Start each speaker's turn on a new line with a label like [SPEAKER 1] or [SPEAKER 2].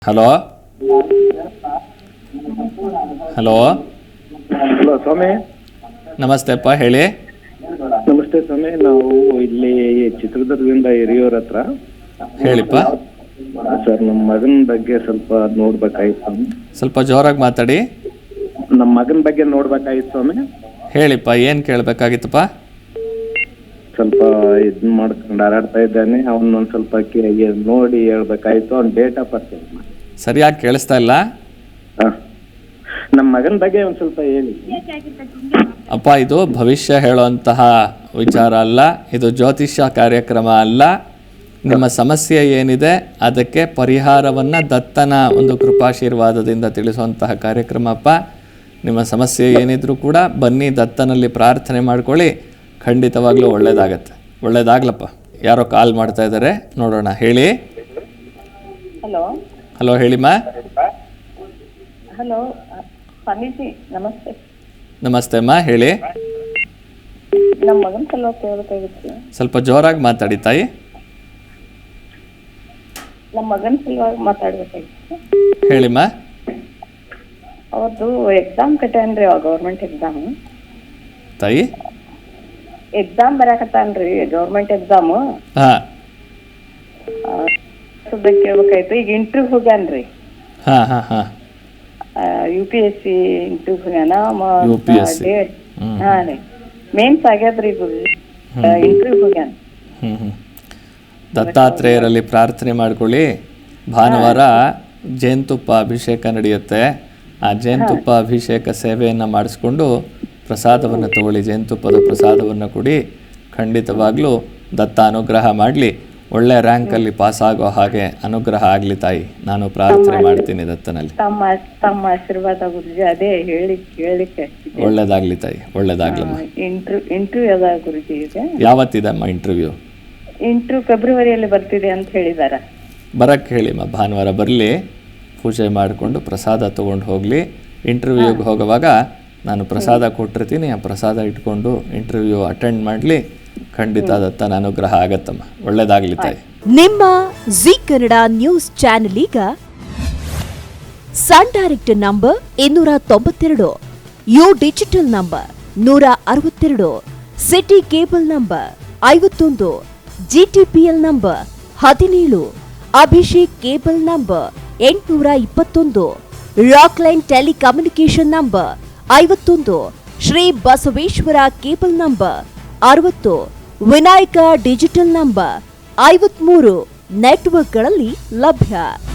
[SPEAKER 1] Hello hello
[SPEAKER 2] hello ಸ್ವಾಮಿ.
[SPEAKER 1] ನಮಸ್ತೆಪ್ಪ, ಹೇಳಿ.
[SPEAKER 2] ನಮಸ್ತೆ ಸ್ವಾಮಿ, ನಾವು ಇಲ್ಲಿ ಚಿತ್ರದುರ್ಗದಿಂದ ಹಿರಿಯೂರ ಹತ್ರ.
[SPEAKER 1] ಹೇಳಿಪ್ಪ.
[SPEAKER 2] ಸರ್, ನಮ್ಮ ಮಗನ ಬಗ್ಗೆ ಸ್ವಲ್ಪ ನೋಡ್ಬೇಕಾಗಿತ್ತು.
[SPEAKER 1] ಸ್ವಲ್ಪ ಜೋರಾಗಿ ಮಾತಾಡಿ.
[SPEAKER 2] ನಮ್ಮ ಮಗನ ಬಗ್ಗೆ ನೋಡ್ಬೇಕಾಗಿತ್ತು ಸ್ವಾಮಿ.
[SPEAKER 1] ಹೇಳಿಪ್ಪ, ಏನು ಕೇಳಬೇಕಾಗಿತ್ತಪ್ಪ?
[SPEAKER 2] ಸ್ವಲ್ಪ ಇದನ್ನ ಮಾಡ್ಕೊಂಡು ಹಾರಾಡ್ತಾ ಇದ್ದಾನೆ. ಅವನೊಂದು ಸ್ವಲ್ಪ ನೋಡಿ ಹೇಳ್ಬೇಕಾಯ್ತು. ಅವ್ನ ಡೇಟ್ ಆಫ್ ಬರ್ತ್
[SPEAKER 1] ಸರಿಯಾಗಿ ಕೇಳಿಸ್ತಾ ಇಲ್ಲ.
[SPEAKER 2] ನಮ್ಮ ಮಗನ ಬಗ್ಗೆ ಒಂದು ಸ್ವಲ್ಪ ಹೇಳಿ.
[SPEAKER 1] ಅಪ್ಪ, ಇದು ಭವಿಷ್ಯ ಹೇಳುವಂತಹ ವಿಚಾರ ಅಲ್ಲ, ಇದು ಜ್ಯೋತಿಷ್ಯ ಕಾರ್ಯಕ್ರಮ ಅಲ್ಲ. ನಿಮ್ಮ ಸಮಸ್ಯೆ ಏನಿದೆ ಅದಕ್ಕೆ ಪರಿಹಾರವನ್ನು ದತ್ತನ ಒಂದು ಕೃಪಾಶೀರ್ವಾದದಿಂದ ತಿಳಿಸುವಂತಹ ಕಾರ್ಯಕ್ರಮ ಅಪ್ಪ. ನಿಮ್ಮ ಸಮಸ್ಯೆ ಏನಿದ್ರೂ ಕೂಡ ಬನ್ನಿ, ದತ್ತನಲ್ಲಿ ಪ್ರಾರ್ಥನೆ ಮಾಡ್ಕೊಳ್ಳಿ, ಖಂಡಿತವಾಗ್ಲೂ ಒಳ್ಳೇದಾಗತ್ತೆ. ಒಳ್ಳೇದಾಗ್ಲಪ್ಪ. ಯಾರೋ ಕಾಲ್ ಮಾಡ್ತಾ ಇದ್ದಾರೆ, ನೋಡೋಣ. ಹೇಳಿ.
[SPEAKER 3] ಹಲೋ
[SPEAKER 1] ಹಲೋ, ಹೇಳಿಮ್ಮ.
[SPEAKER 3] ಹಲೋ ಸ್ವಾಮೀಜಿ, ನಮಸ್ತೆ.
[SPEAKER 1] ನಮಸ್ತೆ ಅಮ್ಮ, ಹೇಳಿ.
[SPEAKER 3] ನಮ್ಮ ಮಗನ ಸಲುವಾಗಿ ಕೇಳಬೇಕಾಗಿತ್ತು.
[SPEAKER 1] ಸ್ವಲ್ಪ ಜೋರಾಗಿ ಮಾತಾಡಿ ತಾಯಿ.
[SPEAKER 3] ನಮ್ಮ ಮಗನ ಸಲುವಾಗಿ ಮಾತಾಡ್ಬೇಕಾಗಿತ್ತು.
[SPEAKER 1] ಹೇಳಿಮ್ಮ.
[SPEAKER 3] ಅವ್ರದ್ದು ಎಕ್ಸಾಮ್ ಕಟ್ಯಾನ್ರಿ, ಗೌರ್ಮೆಂಟ್ ಎಕ್ಸಾಮ್.
[SPEAKER 1] ತಾಯಿ,
[SPEAKER 3] ಎಕ್ಸಾಮ್ ಬರಾಕತ್ತಾನ್ರಿ, ಗೌರ್ಮೆಂಟ್ ಎಕ್ಸಾಮ್.
[SPEAKER 1] ಹಾಂ
[SPEAKER 3] ಕೇಳ್ಬೇಕಾಯ್ತು. ಈಗ ಇಂಟರ್ವ್ಯೂ ಹೋಗ್ಯಾನ್ರಿ.
[SPEAKER 1] ಹಾಂ ಹಾಂ ಹಾಂ
[SPEAKER 3] UPSC ಇಂಟರ್ವ್ಯೂ ಹೋಗ್ಯಾನ.
[SPEAKER 1] UPSC.
[SPEAKER 3] ಹಾಂ ರೀ, ಮೇನ್ಸ್ ಆಗ್ಯಾದ್ರಿ. ಇದು ಇಂಟರ್ವ್ಯೂ ಹೋಗ್ಯಾನ.
[SPEAKER 1] ದತ್ತಾತ್ರೇಯರಲ್ಲಿ ಪ್ರಾರ್ಥನೆ ಮಾಡ್ಕೊಳ್ಳಿ. ಭಾನುವಾರ ಜೇನುತುಪ್ಪ ಅಭಿಷೇಕ ನಡೆಯುತ್ತೆ. ಆ ಜೇನುತುಪ್ಪ ಅಭಿಷೇಕ ಸೇವೆಯನ್ನು ಮಾಡಿಸ್ಕೊಂಡು ಪ್ರಸಾದವನ್ನು ತಗೊಳ್ಳಿ. ಜೇನುತುಪ್ಪದ ಪ್ರಸಾದವನ್ನು ಕೊಡಿ. ಖಂಡಿತವಾಗ್ಲೂ ದತ್ತ ಅನುಗ್ರಹ ಮಾಡಲಿ. ಒಳ್ಳೆ ರ್ಯಾಂಕಲ್ಲಿ ಪಾಸ್ ಆಗೋ ಹಾಗೆ ಅನುಗ್ರಹ ಆಗಲಿ ತಾಯಿ. ನಾನು ಪ್ರಾರ್ಥನೆ ಮಾಡ್ತೀನಿ ದತ್ತನಲ್ಲಿ.
[SPEAKER 3] ತಮ್ಮ ಆಶೀರ್ವಾದ ಗುರುಜಿ. ಅದೇ ಹೇಳಿಕ್ಕೆ
[SPEAKER 1] ಒಳ್ಳೇದಾಗ್ಲಿ ತಾಯಿ, ಒಳ್ಳೇದಾಗ್ಲಮ್ಮ.
[SPEAKER 3] ಇಂಟರ್ವ್ಯೂ ಅದ ಗುರುಜಿ. ಇದೆ
[SPEAKER 1] ಯಾವತ್ತಿದಮ್ಮ ಇಂಟರ್ವ್ಯೂ?
[SPEAKER 3] ಇಂಟರ್ವ್ಯೂ ಫೆಬ್ರವರಿಯಲ್ಲಿ ಬರ್ತಿದೆ ಅಂತ ಹೇಳಿದಾರ.
[SPEAKER 1] ಬರಕ್ಕೆ ಹೇಳಿಮ್ಮ. ಭಾನುವಾರ ಬರಲಿ, ಪೂಜೆ ಮಾಡಿಕೊಂಡು ಪ್ರಸಾದ ತೊಗೊಂಡು ಹೋಗಲಿ. ಇಂಟರ್ವ್ಯೂಗೆ ಹೋಗುವಾಗ ನಾನು ಪ್ರಸಾದ ಕೊಟ್ಟಿರ್ತೀನಿ. ಆ ಪ್ರಸಾದ ಇಟ್ಕೊಂಡು ಇಂಟರ್ವ್ಯೂ ಅಟೆಂಡ್ ಮಾಡಲಿ. ಖಂಡಿತ ದತ್ತನ ಅನುಗ್ರಹ ಆಗತ್ತಮ್ಮ. ಒಳ್ಳೇದಾಗಲಿ ತಾಯಿ.
[SPEAKER 4] ನಿಮ್ಮ ಜಿ ಕನ್ನಡ ನ್ಯೂಸ್ ಚಾನೆಲ್ ಈಗ Sun Direct number 292, U digital number 162, city cable number 51, GTPL number 17, Abhishek cable number 821, rock line telecommunication number 51, Shri Basaveshwara cable number 60, Vinayaka digital number 53 ನೆಟ್ವರ್ಕ್ಗಳಲ್ಲಿ ಲಭ್ಯ.